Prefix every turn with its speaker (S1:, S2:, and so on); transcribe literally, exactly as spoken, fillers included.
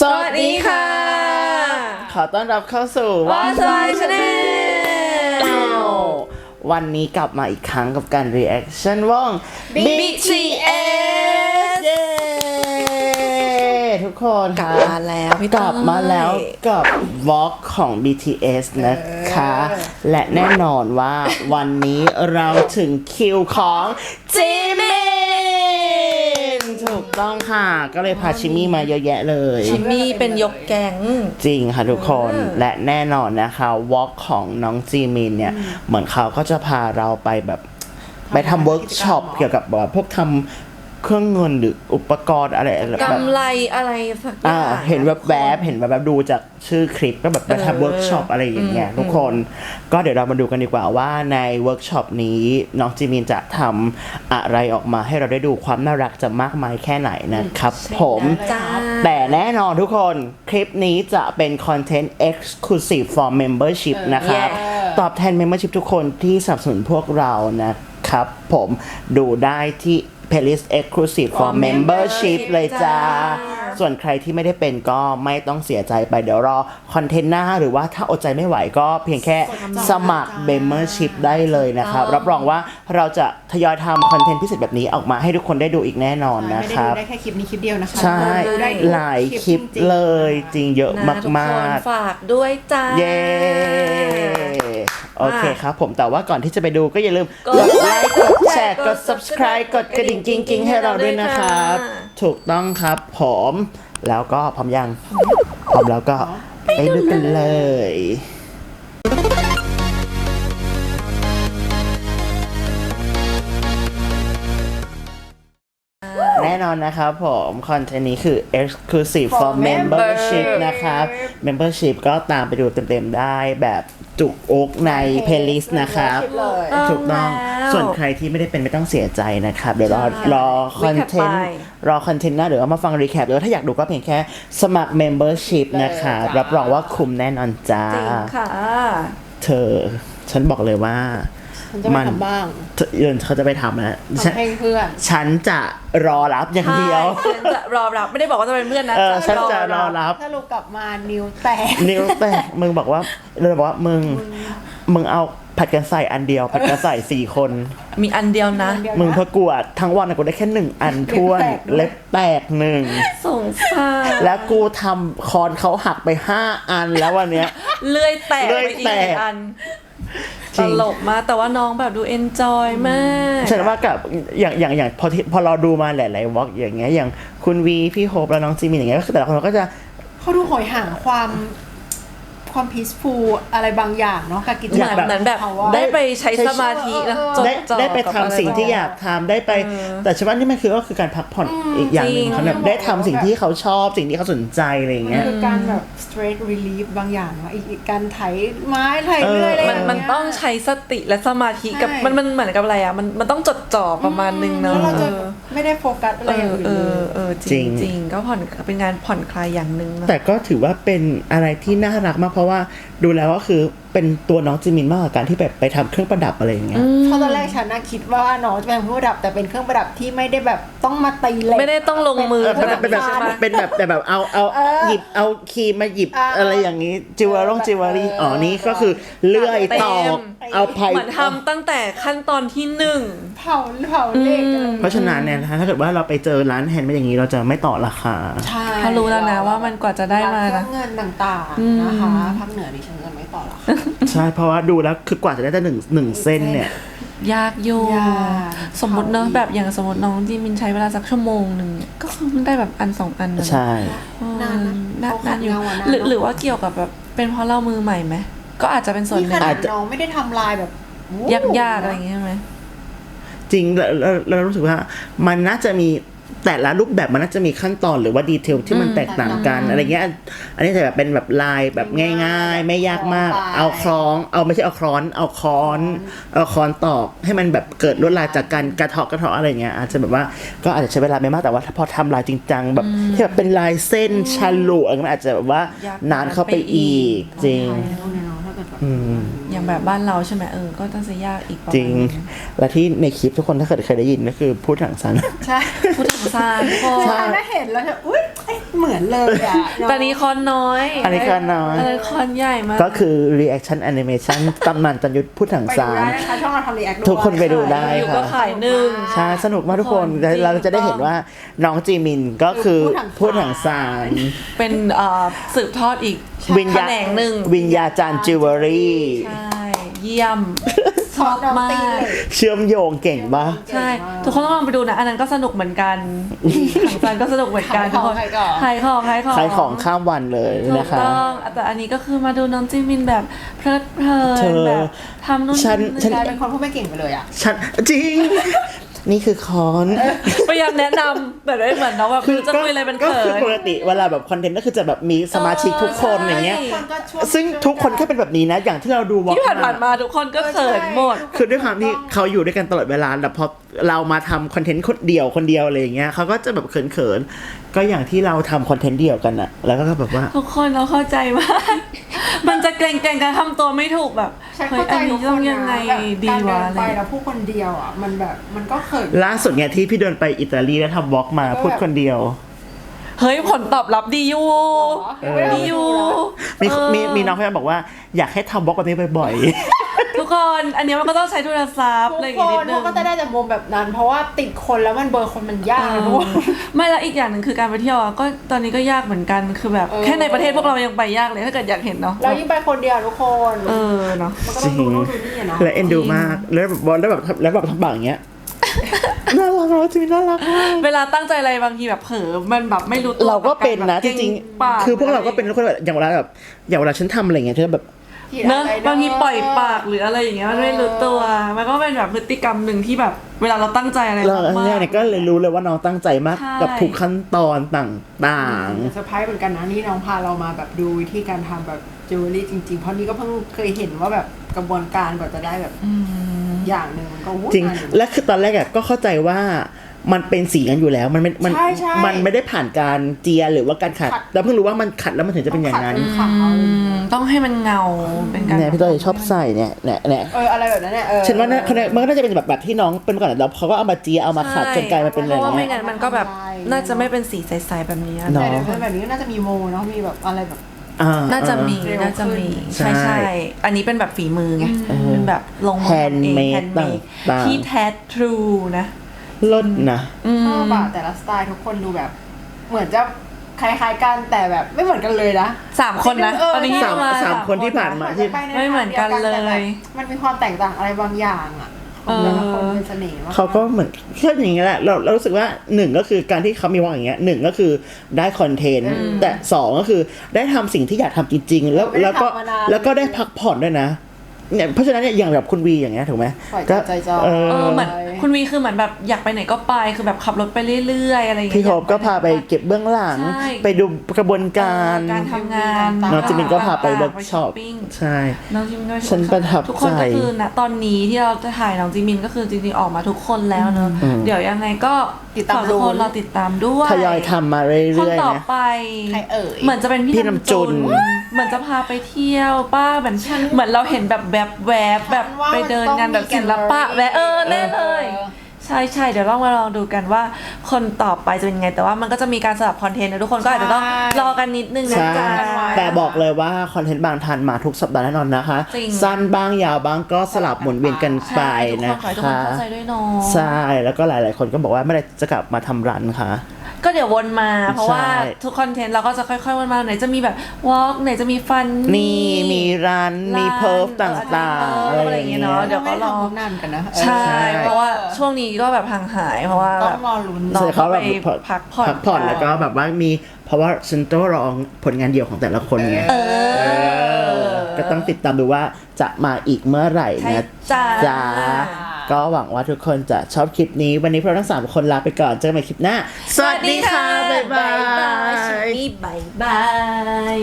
S1: สวัสดีค่ะขอต้อนรับเข้าสู่
S2: What's My Channel
S1: วันนี้กลับมาอีกครั้งกับการ reaction วง
S2: บี ที เอส
S1: เย้ทุกคน
S2: กลับมาแล้วพี่
S1: กลับมาแล้วกับ Vlog ของ บี ที เอส นะคะ และแน่นอนว่าวันนี้เราถึงคิวของจิมินถูกต้องค่ะก็เลยพาชิมี่มาเยอะแยะเลย
S2: ชิมมี่เป็นยกแก๊ง
S1: จริงค่ะทุกคนและแน่นอนนะคะวอล์กของน้องจีมินเนี่ยเหมือนเขาก็จะพาเราไปแบบไปทำเวิร์กช็อปเกี่ยวกับแบบพวกทำเครื่องเงินหรืออุปกรณ์อะไรแบบ
S2: กำไรอะไรสักอย่าง
S1: เห็นแบบแบบเห็นแบบแบบดูจากชื่อคลิปก็แบบไปทำเวิร์กช็อปอะไรอย่างเงี้ยทุกคนก็เดี๋ยวเรามาดูกันดีกว่าว่าในเวิร์กช็อปนี้น้องจีมินจะทำอะไรออกมาให้เราได้ดูความน่ารักจะมากมายแค่ไหนนะครับผมแต่แน่นอนทุกคนคลิปนี้จะเป็นคอนเทนต์ exclusive for membership นะครับตอบแทน membership ทุกคนที่สนับสนุนพวกเรานะครับผมดูได้ที่playlist exclusive for membership เลยจ้าส่วนใครที่ไม่ได้เป็นก็ไม่ต้องเสียใจไปเดี๋ยวรอคอนเทนต์หน้าหรือว่าถ้าอดใจไม่ไหวก็เพียงแค่สมัคร membership ได้เลยนะครับรับรองว่าเราจะทยอยทำคอนเทนต์พิเศษแบบนี้ออกมาให้ทุกคนได้ดูอีกแน่นอนนะครับ
S3: ไม่ได้ดูได้แค่คลิปนี้คลิปเดียวนะคะ
S1: ใช่หลายคลิปเลยจริงเยอะมาก
S2: ๆฝากด้วยจ้า
S1: เย้โอเคครับผมแต่ว่าก่อนที่จะไปดูก็อย่าลืมกดไลค์กดแชร์กด subscribe กดกระดิ่งกิ๊งๆให้เราด้วยนะครับถูกต้องครับผมแล้วก็พร้อมยังพร้อมแล้วก็ไปดูกันเลยแน่นอนนะครับผมคอนเทนต์นี้คือ exclusive for membership นะครับ membership ก็ตามไปดูเต็มๆได้แบบจุกอกใน playlist นะครับถูกต้องส่วนใครที่ไม่ได้เป็นไม่ต้องเสียใจนะครับเดี๋ยวรอรอคอนเทนต์รอคอนเทนต์หน้าเดี๋ยวมาฟังรีแคปหรือว่าถ้าอยากดูก็เพียงแค่สมัคร membership นะครับรับรองว่าคุ้มแน่นอนจ้า
S2: จริงค่ะ
S1: เธอฉันบอกเลยว่า
S3: มันจะไปทำบ้าง
S1: เดี๋ยวเขาจะไปทำนะ
S3: ทำให้เพื่อน
S1: ฉันจะรอรับอย่างเดียว
S2: ฉันจะรอรับไม่ได้บอกว่าจะเป็นเพื่อนนะ
S1: ฉันจะรอรับ
S3: ถ้าลูกกลับมานิ้วแตก
S1: นิ้วแตกมึงบอกว่าเราบอกว่ามึงมึงเอาผัดกันใส่อันเดียวผัดกันใส่สี่คน
S2: มีอันเดียวนะ
S1: มึงพอกวดทั้งวันกูได้แค่หนึ่งอันท้วนเล็บแตกหนึ่ง
S2: สงสาร
S1: แล้วกูทำคอนเขาหักไปห้าอันแล้ววันเนี้ย
S2: เลื่อยแตกไปอีกอันตลกมากแต่ว่าน้องแบบดูเอนจอยมาก
S1: ฉันว่ากับอย่างอย่างอย่างพอพอเราดูมาหลายๆวอล์กอย่างเงี้ยอย่างคุณวีพี่โฮปแล้วน้องจีมินอย่างเงี้ยก็คือแต่ละคนก็จะ
S3: เขาดูโหยห่างความความพีซฟูลอะไรบางอย่างเนาะกับกิจกรรม
S2: เหมือนแบบได้ไปใช้สมาธินะ
S1: ได้ได้ไปทำสิ่งที่อยากทำได้ไปแต่ฉันว่านี่มันคือก็คือการพักผ่อนอีกอย่างหนึ่งเขาแบบได้ทำสิ่งที่เขาชอบสิ่งที่เขาสนใจอะไรอย่างเงี้ย
S3: คือการแบบ stress relief บางอย่างว่าอีกการไถไม้ไถเรื่อยอะไร
S2: มันมันต้องใช้สติและสมาธิกับมันมันเหมือนกับอะไรอ่ะมันมันต้องจดจ่อประมาณนึงเนาะ
S3: เราจะไม่ได้โฟกัสอะไรอย่างอื่น
S2: เลยเออจริงจริงก็ผ่อนเป็นงานผ่อนคลายอย่างนึง
S1: แต่ก็ถือว่าเป็นอะไรที่น่ารักมากเพราะว่าดูแล้วก็คือเป็นตัวน้องจิมินมากกว่าการที่แบบไปทำเครื่องประดับอะไรอย่างเงี้ย
S3: เพราะตอนแรกฉันน่ะคิดว่าน้องจะเป็นเครื่องประดับแต่เป็นเครื่องประดับที่ไม่ได้แบบต้องมาตีเหล็ก
S2: ไม่ได้ต้องลงมือ
S1: เป็นแบบเป็นแบบแต่แบบเอาเอาหยิบเอาครีมมาหยิบอะไรอย่างงี้จิวเวลล์จิวเวลรี่อ๋อนี่ก็คือเลื่อยตอกเอาไผ่
S2: เหมือนทำตั้งแต่ขั้นตอนที่หนึ่ง
S3: เผาเผาเหล็ก
S1: เพราะฉะนั้นเนี่ยถ้าเกิดว่าเราไปเจอร้านแฮนด์เมดอย่างนี้เราจะไม่ต่อราคา
S2: เขารู้แล้วนะว่ามันกว่าจะได้มานะ
S3: เงินต่างๆนะคะภาคเหนือดิฉันเงินไม่ต่อหรอก
S1: ใช่เพราะว่าดูแล้วคือกว่าจะได้แต่หนึ่งหนึ่งเส้นเนี่ย
S2: ยากอยู่สมมติเนอะแบบอย่างสมมติน้องจีมินใช้เวลาสักชั่วโมงหนึ่งก็คือได้แบบอันสองอัน
S1: ใช่
S3: นาน
S2: นานอยู่หรือหรือว่าเกี่ยวกับแบบเป็นเพราะเรามือใหม่ไหมก็อาจจะเป็นส่วนหนึ่ง
S3: อาจจะน้องไม่ได้ทำลายแบบ
S2: ยากๆอะไรอย่างเงี้ยไหม
S1: จริงเราเรารู้สึกว่ามันน่าจะมีแต่ละรูปแบบมันน่าจะมีขั้นตอนหรือว่าดีเทลที่มันแตกต่างกันอะไรเงี้ยอันนี้จะแบบเป็นแบบลายแบบง่ายๆไม่ยากมากเอาคล้องเอาไม่ใช่เอาคล้อนเอาค้อนเอาค้อนตอกให้มันแบบเกิดลวดลายจากการกระเทาะกระเทาะอะไรเงี้ยอาจจะแบบว่าก็อาจจะใช้เวลาไม่มากแต่ว่าพอทำลายจริงจังแบบที่แบบเป็นลายเส้นฉลุอะไรมันอาจจะแบบว่านานเข้าไปอีกจริง
S2: อย่างแบบบ้านเราใช่ไหมเออก็ต้องจะยากอีกประ
S1: จ
S2: มา
S1: ริ
S2: ณ
S1: ง
S2: นึง
S1: และที่ในคลิปทุกคนถ้าเกิดเคยได้ยินก็คือพูดถังซัน
S3: ใช่
S2: พูดถึงซานทุกคน
S3: ใช่ถ้าเห็นแล้วจะอุ้ยเอ้ยเหมือนเลยอ่ะ
S2: แต่นี้คอนน้อย
S1: อันนี้คอนน้อย
S2: อันนี้คอนใหญ่มาก
S1: ก็คือ reaction animation ตำนานจันยุทธพูดถัง
S3: ไปดู
S1: ซาน
S3: ได้นะคะช่องเราทำรีแอคด้วย
S1: ทุกคนไปดูได้
S2: อยู่ก็ขายหนึ่ง
S1: ใช่สนุกมากทุกคน
S2: จริง
S1: เราจะได้เห็นว่าน้องจีมินก็คือพูดถังซาน
S2: เป็นเอ่อสืบทอดอีก
S1: วิญญา
S2: แขนงหนึ่ง
S1: วิญญาจารย์จิวเวลรี่
S2: ใช่เยี่ยมชอบมาก
S1: เชื่อมโยงเก่งปะ
S2: ใช่ ทุกคนต้องลองไปดูนะ อันนั้นก็สนุกเหมือนกันถังซานก็สนุกเหมือนกันทุกคน
S3: ขายของ
S2: ขายของขายของ
S1: ขายของข้ามวันเลย
S2: ถูก
S1: นะคะ
S2: ต้องแต่อันนี้ก็คือมาดูน้องจิมินแบบเพลิดเพลิ
S1: เธ
S2: น
S1: อ
S2: แบบทำนู่น
S1: ฉันฉั
S3: กลายเป็นคนพูดไม่เก่งไปเลยอ่ะ
S1: ฉันจริง นี่คือคอน
S2: พยายามแนะนำแบบไม่เหมือนน้องแบบคือจะคุยอะไรเป็น
S1: ก็
S2: เขิ
S1: คือน ปกติเวลาแบบคอนเทนต์ก็คือจะแบบมีสมาชิกทุกคน
S2: เออ
S1: อย่างเงี้ย
S2: ใช่
S3: คนก็ช่วย
S1: ซึ่งทุกคนแค่เป็นแบบนี้นะ อย่างที่เราดูวอล์ก
S2: ที่ผ่านๆมาทุกคนก็เขินหมด
S1: คือด้วยความที่เขาอยู่ด้วยกันตลอดเวลาแต่พอเรามาทำคอนเทนต์คนเดียวคนเดียวอะไรอย่างเงี้ยเขาก็จะแบบเขินๆก็อย่างที่เราทำคอนเทนต์เดียวกันอะแล้วก็แบบว่า
S2: ทุกคนเราเข้าใจมาก มันจะเกรงๆกันทำตัวไม่ถูกแบบ
S3: ฉัน
S2: เฮ้ย
S3: เข้าใจ
S2: อัน
S3: ทุ
S2: นี้
S3: กค
S2: ต้อง
S3: น
S2: ยังไง
S3: นะแบบ
S2: ดี
S3: การเดิ
S2: วะ
S3: น
S2: อะไร
S3: ไปแล้วพูดคนเดียวอ่ะมันแบบมันก็เขิน
S1: ล่าสุดไงที่พี่เดินไปอิตาลีแล้วทำวอล์กมาพูดคนเดียว
S2: เฮ้ยผลตอบรับดีอยู่
S3: เออ
S2: ดีอยู่
S1: มี
S2: เออ
S1: มีมีน้องพยายามบอกว่าอยากให้ทำวอล์กแบบนี้บ่อย
S2: ทุกคนอันนี้มันก็ต้องใช้โทรศัพท์
S3: ทุ
S2: อะไร
S3: ก
S2: อย่าง
S3: ค
S2: งี้นิ
S3: น
S2: ดนึ
S3: เขา
S2: ง
S3: ก็จะได้จากมุมแบบนั้น เพราะว่าติดคนแล้วมันเบอร์คนมันยาก
S2: เอ
S3: นะ
S2: อ
S3: ทุกคน
S2: ไม่แล้วอีกอย่างหนึ่งคือการไปเที่ยวอะก็ตอนนี้ก็ยากเหมือนกันคือแบบ
S3: เออ
S2: แค่ในประเทศพวกเรายังไปยากเลยถ้าเกิดอยากเห็นเนาะ
S3: เรายิ่งไปคนเดียวทุกคน
S2: เออเนาะ
S3: มันก็ต้องดูนู่นดูนี่อะเนาะ
S1: ๆ และเอ็นดูมากแล้วแบบแล้วแบบแล้วแบบทำปากอย่างเงี้ยน่ารักเราจริงน่ารักมาก
S2: เวลาตั้งใจอะไรบางทีแบบเผลอมันแบบไม่รู้ตัว
S1: เราก็เป็นนะ
S2: แบบ
S1: จริง
S2: ปาก
S1: ๆคือพวกเราก็เป็นคนแบบอย่างเวลาแบบอย่างเวลาฉันทำอะไรอย่างเงี้ยฉันแบบ
S2: เนอะบางทีปล่อยปากหรืออะไรอย่างเงี้ยมันไม่รู้ตัว มันก็เป็นแบบพฤติกรรมหนึ่งที่แบบเวลาเราตั้งใจอะไร
S1: เรา
S2: มาก
S1: เนี่ยก็เลยรู้เลยว่าน้องตั้งใจมาก
S2: ใช่
S1: กับทุกขั้นตอนต่าง
S3: เซอร์ไพรส์เหมือนกันนะนี่น้องพาเรามาแบบดูวิธีการทำแบบจิวเวลรี่จริงๆ เพราะนี่ก็เพิ่งเคยเห็นว่าแบบกระบวนการกว่าจะได้แบบอย่างหนึ่งมันก็วุ่น
S1: ๆ จริง
S3: วายอยู่
S1: และคือตอนแรกอะก็เข้าใจว่ามันเป็นสีกันอยู่แล้วมันไม่มัน
S3: ใช่ใช่
S1: มันไม่ได้ผ่านการเจียหรือว่าการขัด
S3: ขัด
S1: แล้วเพิ่งรู้ว่ามันขัดแล้วมันถึงจะเป็นอย่างนั้น
S3: ขาว
S2: อืมต้องให้มันเงาเป็นการ
S1: เนี่ยพี่ต้อยชอบใส่เนี่ยเนี่ยเนี่ย
S3: เอออะไรแบบนั้นเนี่ยเออ
S1: ฉันว่าน่าเขาเนี่ยมันก็น่าจะเป็นแบบแบบที่น้องเป็นก่อนแล้วเขาก็เอามาเจียเอามาขัดจนกลายมาเป็นอะไร
S2: เพราะว่าไม่
S1: เงี้ย
S2: งั้นมันก็แบบน่าจะไม่เป็นสีใสๆแบบนี้อะ
S1: เนอะ
S3: แต่เดี๋ยวแบบนี้ก็น่าจะมีโมเนาะมีแบบอะไรแบบ
S1: อ่
S2: น่าจะมี
S3: เร็ว
S2: น่าจะมี
S1: ขึ้น
S2: ใช่
S1: ใช่
S2: ใช่อันนี้เป็นแบบฝีมือไง
S1: เออ
S2: เป็นแบบลงมือทำเอง
S1: Handmade
S2: handmade
S1: ต่างๆ
S2: ที่แท้ทรูนะ
S1: ลดนะ
S3: ชอบอะแต่ละสไตล์ทุกคนดูแบบ เหมือนจะคล้ายๆกันแต่แบบไม่เหมือนกันเลยนะ
S2: สามคนนะ
S3: เออ
S2: ตอนนี้
S3: ใช่
S2: ที่มา
S1: สามคนที่ผ่านมา ที่
S3: ไปใ
S2: ไม่เหมือนกันเลย
S3: ทางดีวแต่แบบมันมีความแตกต่างอะไรบางอย่างอะของแต่ละคนเป็นเสน่ห์มาก
S1: เขาก็เหมือนแค่อย่างเงี้ยแหละเราเรารู้สึกว่าหนึ่งก็คือการที่เขามีวางอย่างเงี้ยหนึ่งก็คือได้คอนเทนต์แต่สองก็คือได้ทำสิ่งที่อยากทำจริง ๆ แล้วแล้วก็แล้วก็ได้พักผ่อนด้วยนะเนี่ยเพราะฉะนั้นเนี่ยอย่างแบบคุณวีอย่างเงี้ยถูกไหม
S3: ปล่อย
S1: ก็
S3: ใจจอย
S1: เอ
S2: เออ
S1: อ
S2: เหมือนคุณวีคือเหมือนแบบอยากไปไหนก็ไปคือแบบขับรถไปเรื่อยๆอะไรอย่างเงี้ย
S1: พี่โฮปก็พาไปเก็บเบื้องหลัง
S2: ใช่
S1: ไปดูกระบวนการ
S2: เออการทำงาน
S1: น้องจิมินก็พาไปเวิร์ก
S2: ไป
S1: ช็อป
S2: ปิ้ง
S1: ใช่
S2: น้องจิมินก็
S1: ฉันประทับใจ
S2: ทุกคนก็คือณตอนนี้ที่เราจะถ่ายน้องจิมินก็คือจริงๆออกมาทุกคนแล้วเนอะเดี๋ยวยังไงก็
S3: ติดตาม
S2: ฝากทุกคน
S3: ดู
S2: รอติดตามด้วย
S1: ทยอยทำมาเ
S2: คน
S1: รื่อย
S2: ต่อ
S1: ๆนะ
S2: ไป
S3: ใครเอ่ย
S2: เหมือนจะเป็น
S1: พี่
S2: พี่
S1: น้ำ
S2: น้ำ
S1: จุ
S2: จุ
S1: น
S2: นเหมือนจะพาไปเที่ยวป้าเหมือนเหมือนเราเห็นแบบแบบแวบแบบ
S3: ว่า
S2: ไปเดินงานแบบ
S3: มันต้องมี
S2: ศิลปะ
S3: gallery
S2: แวะเออแน่เลย
S3: เออ
S2: ใช่ใช่เดี๋ยวลองมาลองดูกันว่าคนต่อไปจะเป็นไง แต่ว่ามันก็จะมีการสลับคอนเทนต์นะทุกคนก็อาจจะต้อง
S3: ใช่
S2: รอกันนิดนึงนะ
S1: ใช่
S2: จ๊ะ
S1: แต่บอกเลยว่าคอนเทนต์บางทันมาทุกสัปดาห์แน่นอนนะคะ
S2: จริง
S1: สั้นบ้างยาวบ้างก็สลับหมุนเวียนกันไป
S2: ใช่ทุก
S1: นะ
S2: คนขอให้ทุกคน
S1: คะ
S2: เข้าใจด้วยเนาะ
S1: ใช่ แล้วก็หลายๆ คนก็บอกว่าเมื่อไหรจะกลับมาทำรันค่ะ
S2: ก็เดี๋ยววนมา เพราะว่า
S1: ใช่
S2: ทุกคอนเทนต์เราก็จะค่อยๆวนมาไหนจะมีแบบวอล์กไหนจะมีฟัน
S1: นี่มีรันมีเพิร์ฟต่างๆ
S2: เออ
S1: อะ
S2: อะไร ไรอย่ย่าง ง
S1: อาเงี้
S2: เงี้
S1: ย
S2: ยเนาะเดี๋ยวก็รอ
S3: ไม่ได้ทำพวกนั้นกันนะเออ
S2: ใช่ เพราะว่าช่วงนี้ก็แบบห่างหายเพราะว่า
S3: ต้
S2: แบ
S3: อง
S2: บ
S3: รอลุ้น
S2: น้อง
S1: ใช่เขาแบบ
S2: ไปพักผ่อน
S1: พักผ่อนแล้วก็แบบว่ามีเพราะว่าฉันต้องรองผลงานเดี่ยวของแต่ละคนไง
S2: เออ
S1: ก็ต้องติดตามดูว่าจะมาอีกเมื่อไหร่
S2: ใช่
S1: นะ
S2: จ้า
S1: จ้าก็หวังว่าทุกคนจะชอบคลิปนี้ วันนี้พวกเราทั้งสามคนลาไปก่อนเจอกันใหม่คลิปหน้า สวัสดีค่ะ บ๊ายบาย
S2: สวัสดีค่ะบ๊ายบาย